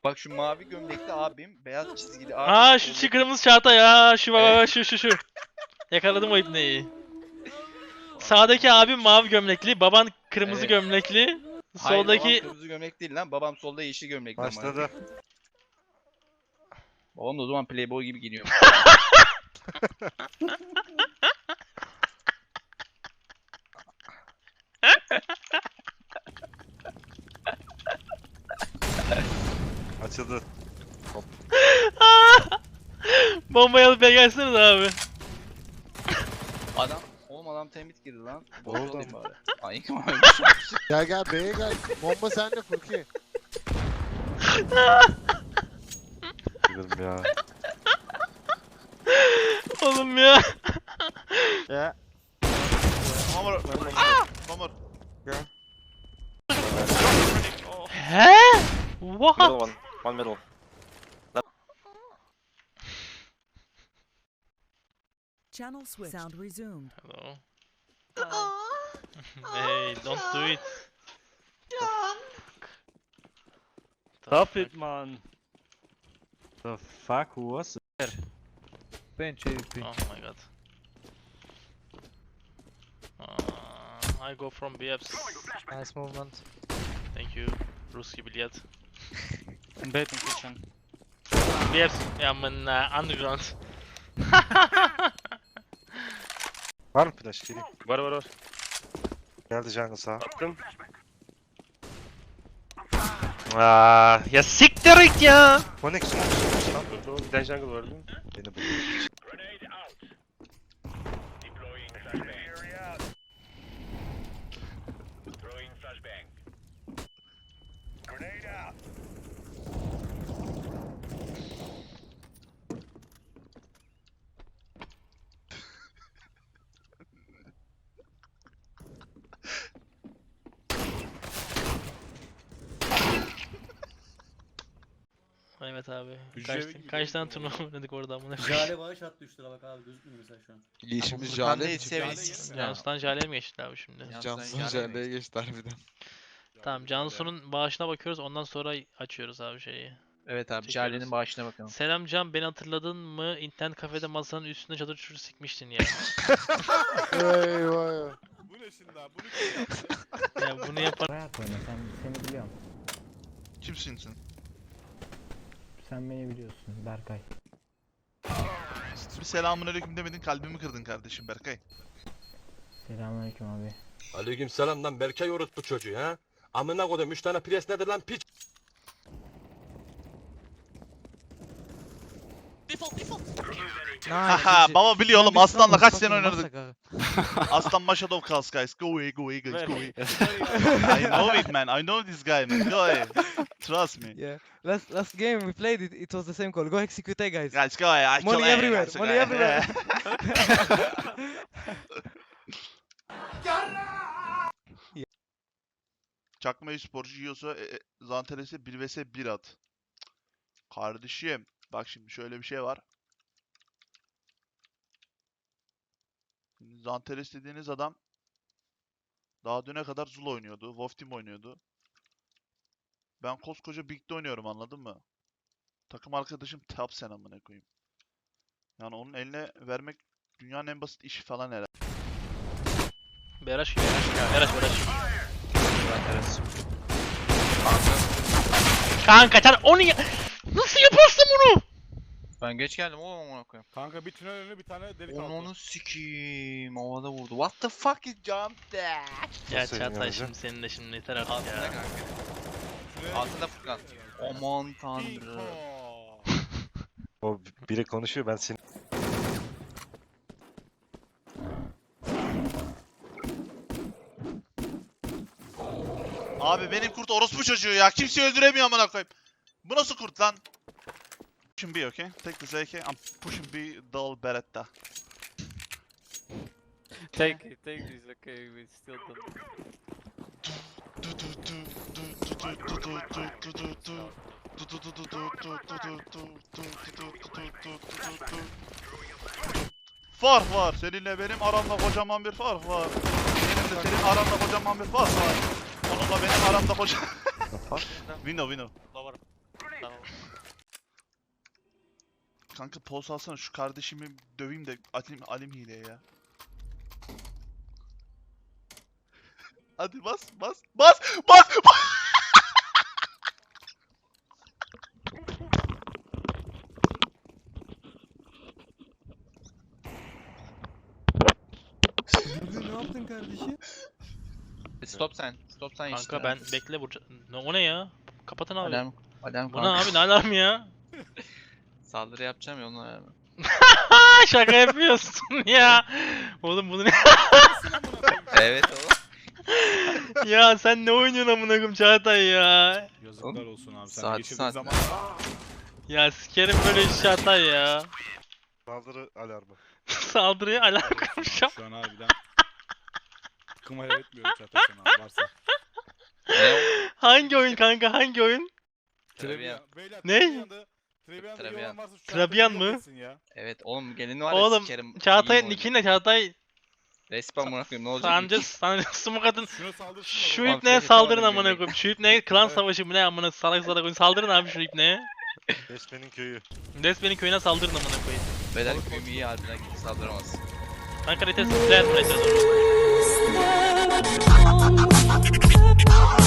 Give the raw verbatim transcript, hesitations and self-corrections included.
Bak şu mavi gömlekli abim, beyaz çizgili abim. Aa şu soldaki- kırmızı çağata ya. Şu baba şu şu şu. Yakaladım o ibneyi. Sağdaki abim mavi gömlekli, baban kırmızı Evet. gömlekli. Hayır, babam Soldaki kırmızı gömlek değil lan. Babam solda yeşil gömlekli ama. Başladı. Babam da o zaman playboy gibi giyiniyor. Açıldı. bombayı alıp gelseniz abi. Adam, oğlum adam tembit girdi lan. Oldu. Bozdu olayım bari. Ay kim Gel gel B'ye gel. Bomba sende Furki. Gidelim ya. Oğlum ya. Ya. One more. One more. He? What? Middle one. One middle. Channel switch. Sound resumed. Hello. Hey, don't do it. Stop it, man. The fuck, who was it? Bench A W P. Oh my god. Uh, I go from B F's. Nice movement. Thank you. Ruski bilyat. Bait in kitchen. B F's. Ja, men uh, underground. Var mı flash? Geleyim. Var var var. Geldi jungle sağa. Attım. Aa, ya siktir it ya. Konek smoke smoke lan. Doğru. Bir tane jungle vardı. Beni buluyor. Evet abi. Hücre Kaç, gibi kaç tane gidiyor. turnuva oynadık orada amına. Jale bağış attı üç lira bak abi gözükmüyor mesela şu an. İşimiz Furkan Jale değil, mi? seviyesiz. Cansu'dan Jale'ye mi geçti abi şimdi? Cansu'dan Jale'ye geçti harbiden. Tamam Cansu'nun bağışına bakıyoruz ondan sonra açıyoruz abi şeyi. Evet abi, Çekiyoruz. Jale'nin bağışına bakalım. Selam Can, beni hatırladın mı? İnternet kafede masanın üstünde çadır çutur sikmiştin ya. Eyvah. Bu ne şimdi abi? Bunu kim yaptı? Ya bunu yapan Rahat oyna, sen seni biliyorum. Kimsin sen? Sen beni biliyorsun Berkay. Bir selamünaleyküm demedin, kalbimi kırdın kardeşim Berkay. Selamünaleyküm abi. Aleyküm selam lan Berkay orospu çocuğu ha. Amına koydum üç tane pres nedir lan piç. Haha baba biliyor oğlum, Aslan'la kaç sene oynadık. Aslan Mashadov Kals guys. Go away, go away guys, go away. I know it man, I know this guy man. Go away. Trust me. Yeah. Last last game we played it, it was the same call. Go execute guys. Guys go away. I Money kill everywhere, guys, money okay. everywhere. Çakma e-sporcu yiyorsa e, e, Zanteles'e bir vs bir at. Kardeşim bak şimdi şöyle bir şey var. Şimdi Zanteles dediğiniz adam daha düne kadar Zul oynuyordu. Wolf Team oynuyordu. Ben koskoca Big'de oynuyorum, anladın mı? Takım arkadaşım Top sen amına koyayım. Yani onun eline vermek dünyanın en basit işi falan herhalde. Beraş gibi. Beraş Beraş. Kanka sen onu ya... Nasıl yaparsın bunu? Ben geç geldim oğlum, ona koyayım. Kanka bir tünel önü bir tane delik Onu onu sikiyim. Havada vurdu. What the fuck is jump that? Ya Nasıl Çağatay yani şimdi senin de şimdi yeter artık Altında ya. kanka. Altında Furkan. Aman tanrım. O biri konuşuyor ben seni. Abi benim kurt orospu çocuğu ya. Kimseyi öldüremiyor amına koyayım. Bu nasıl kurt lan? Pushing B, okay? Take this A K. I'm pushing B, dull Beretta. Take it, take this, okay, we still don't. Fark var. Seninle benim aramda kocaman bir fark var. Benim de senin aranda kocaman bir fark var. Onunla benim aramda kocaman... Window, window. Lower. Down. Kanka poz alsana şu kardeşimi döveyim de alim, alim hileye ya. Hadi bas bas bas bas bas. Ne yaptın kardeşim? Stop sen. Stop sen işte. Kanka ben bekle vuracağım. Ne o ne ya? Kapatın abi. Alarm. Alarm Bu ne kanka. abi ne alarm ya? Saldırı yapacağım ya onun alarmı. Ha şaka yapıyorsun ya. Oğlum bunu ne? Evet oğlum. Ya sen ne oynuyorsun amına koyayım Çağatay ya? Yazıklar olsun abi. Saat saat. Ya sikerim böyle iş Çağatay ya. Saldırı alarmı. Saldırıya alarm kurmuşum. Şu an harbiden kımaya etmiyorum Çağatay sana varsa. Ne o? Hangi oyun kanka hangi oyun? Travian. Ne? Travian. Travian mı? Evet oğlum gelini var ya Oğlum sikerim. Çağatay'ın İyi nickini ne Çağatay? Respawn buna koyayım ne olacak? Sancı sancı smoke atın. Şuna saldırsın Şu Ulan ipneye flash saldırın atamadım amına gömleği. koyayım. Şu ipneye klan savaşı mı ne amına salak salak oyun. Saldırın abi şu ipneye. Resmenin köyü. Resmenin köyüne saldırın amına koyayım. Beyler köyüm iyi harbiden kimse saldıramaz. Kanka retes flash retes.